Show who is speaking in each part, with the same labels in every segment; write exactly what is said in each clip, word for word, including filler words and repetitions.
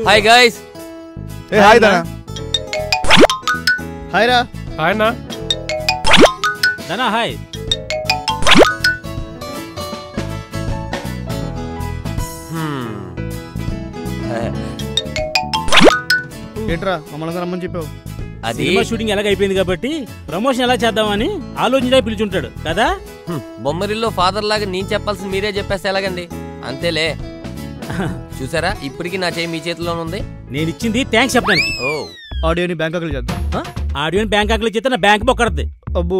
Speaker 1: Hi guys.
Speaker 2: ఏ hi Dana.
Speaker 3: Hi రా.
Speaker 4: Hi నా
Speaker 5: దనా హాయ్.
Speaker 3: ఏంట్రా మమ్మల్ని రమ్మని చెప్పావు?
Speaker 5: అది సినిమా షూటింగ్ ఎలాగ అయిపోయింది కాబట్టి ప్రమోషన్ ఎలా చేద్దామని ఆలోచించే పిలుచుంటాడు కదా.
Speaker 1: బొమ్మరిల్లో ఫాదర్ లాగా నేను చెప్పాల్సింది మీరే చెప్పేస్తే ఎలాగండి? అంతేలే. చూసారా ఇప్పటికి నా చేయి మీ చేతిలోనే ఉంది.
Speaker 5: నేను ఇచ్చింది థ్యాంక్స్ చెప్పడానికి.
Speaker 1: ఓ
Speaker 3: ఆడియోని బ్యాంకాక్ లో చేద్దాం.
Speaker 5: ఆడియోని బ్యాంకాక్ లో చేస్తే నా బ్యాంక్ బొక్కడద్ది.
Speaker 3: అబ్బో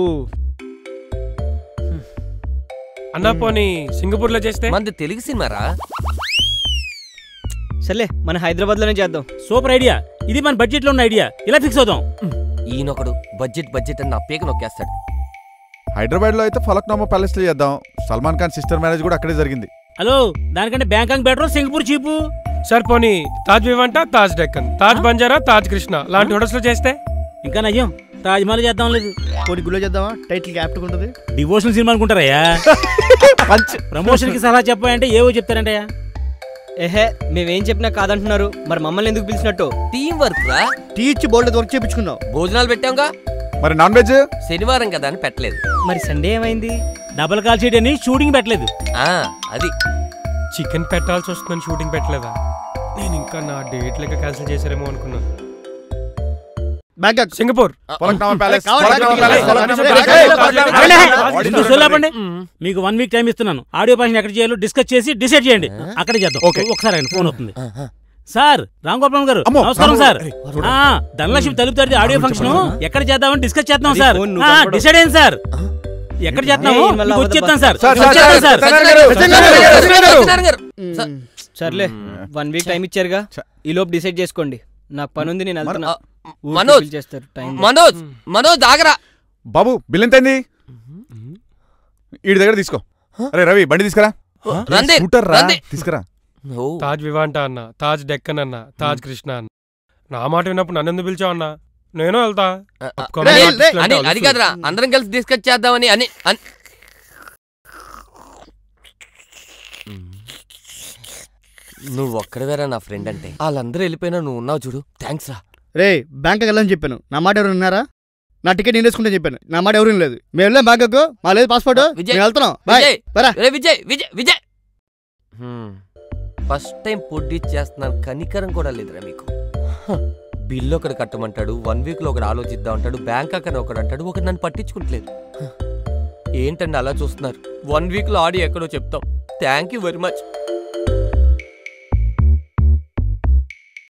Speaker 4: అన్నా పోనీ సింగపూర్ లో చేస్తే?
Speaker 1: మంది తెలుగు సినిమారా?
Speaker 6: సర్లే మన హైదరాబాద్ లోనే చేద్దాం.
Speaker 5: Super idea. ఇది మన బడ్జెట్ లో ఉన్న ఐడియా. ఇలా ఫిక్స్ అవుదాం.
Speaker 1: ఈయనొకడు బడ్జెట్ బడ్జెట్ అని నా పేక నొక్కేస్తాడు.
Speaker 2: హైదరాబాద్ లో అయితే ఫలక్నామా ప్యాలెస్ లో చేద్దాం. సల్మాన్ ఖాన్ సిస్టర్ మ్యారేజ్ కూడా అక్కడే జరిగింది.
Speaker 5: హలో, దానికంటే Bangkok better, Singapore cheap.
Speaker 4: Sir పోనీ తాజ్ వివంట, తాజ్ డెక్కన్, తాజ్ బంజారా, తాజ్ కృష్ణ లాంటి హోటల్స్ లో చేస్తే?
Speaker 5: ఇంకా నయ్యం తాజ్ మహల్ చేద్దాం. లేదు
Speaker 3: పోనీ గుళ్ళో చేద్దామా? టైటిల్ క్యాప్ట్ ఉంటుంది.
Speaker 5: డివోషనల్ సినిమా అనుకుంటారయ్యా. ప్రమోషన్ కి సలహా చెప్పాయంటే ఏవో చెప్తారంటయ్యా.
Speaker 6: ఏహే మేమేం చెప్పినా కాదంటున్నారు. మరి మమ్మల్ని ఎందుకు పిలిచినట్టు?
Speaker 1: టీం వర్క్ రా.
Speaker 3: టీ ఇచ్చి బోల్డ్ వర్క్ చేయించుకున్నావు.
Speaker 1: భోజనాలు పెట్టాంగా.
Speaker 2: మరి నాన్ వెజ్?
Speaker 1: శనివారం కదా అని పెట్టలేదు.
Speaker 6: మరి సండే ఏమైంది?
Speaker 5: డబుల్ కాల్ షీట్ అని షూటింగ్ పెట్టలేదు.
Speaker 1: ఆ అది
Speaker 4: చికెన్ పెట్టాల్సి వస్తుందని షూటింగ్ పెట్టలేదా? నేను ఇంకా నా డేట్ లెక్క క్యాన్సిల్ చేశారేమో అనుకున్నాను.
Speaker 3: బ్యాంకాక్,
Speaker 4: సింగపూర్,
Speaker 2: ఫలక్నామా ప్యాలెస్.
Speaker 5: మీకు వన్ వీక్ టైం ఇస్తున్నాను. ఆడియో భాషను ఎక్కడ చేయాలో డిస్కస్ చేసి డిసైడ్ చేయండి. అక్కడే చేద్దాం. ఒకసారి ఫోన్ అవుతుంది. సార్ రామ్ గోపాల్ గారు నమస్కారం సార్. ధనలక్ష్మి తలుపు తడితే ఆడియో ఫంక్షన్ ఎక్కడ చేద్దామని డిస్కస్ చేద్దాం సార్. డిసైడ్ అయింది సార్. ఎక్కడ చేద్దాము వచ్చేద్దాం సార్.
Speaker 6: సర్లే వన్ వీక్ టైం ఇచ్చారుగా, ఈ లోపు డిసైడ్ చేసుకోండి. నాకు పని ఉంది, నేను వెళ్తున్నా.
Speaker 1: మనోజ్
Speaker 6: చేస్తారు
Speaker 1: మనోజ్ మనోజ్ ఆగరా
Speaker 2: బాబు. బిల్ ఎంత అయింది? వీడి దగ్గర తీసుకో. అరే రవి బండి తీసుకురా. తీసుకురా.
Speaker 4: తాజ్ వివాంట అన్న, తాజ్ డెక్కన్ అన్న, తాజ్ కృష్ణ అన్న. నా మాట విన్నప్పుడు నన్ను ఎందుకు పిలిచావు అన్నా? నేను వెళ్తా.
Speaker 1: అది కాదురా, అందరం కలిసి డిస్కస్ చేద్దామని. అని నువ్వు ఒక్కడవేరా నా ఫ్రెండ్ అంటే. వాళ్ళందరూ వెళ్ళిపోయినా నువ్వు ఉన్నావు చూడు. థ్యాంక్స్ రా.
Speaker 3: రే బ్యాంకాక్ వెళ్ళని చెప్పాను. నా మాట ఎవరు విన్నారా? నా టికెట్ నేను వేసుకుంటే చెప్పాను. నా మాట ఎవరు లేదు. మేము వెళ్ళాం బ్యాంకాక్. మా లేదు పాస్పోర్ట్. వెళ్తున్నాం.
Speaker 1: విజయ్ విజయ్ విజయ్ ఫస్ట్ టైం పొడ్డి చేస్తున్నాను. కనికరం కూడా లేదురా మీకు. బిల్లు ఒకటి కట్టమంటాడు, వన్ వీక్ లో ఒకటి ఆలోచిద్దాం అంటాడు, బ్యాంకాక్ అని ఒకటి అంటాడు, ఒకటి నన్ను పట్టించుకుంటలేదు. ఏంటండి అలా చూస్తున్నారు? వన్ వీక్ లో ఆడి ఎక్కడో చెప్తాం. Thank you very much.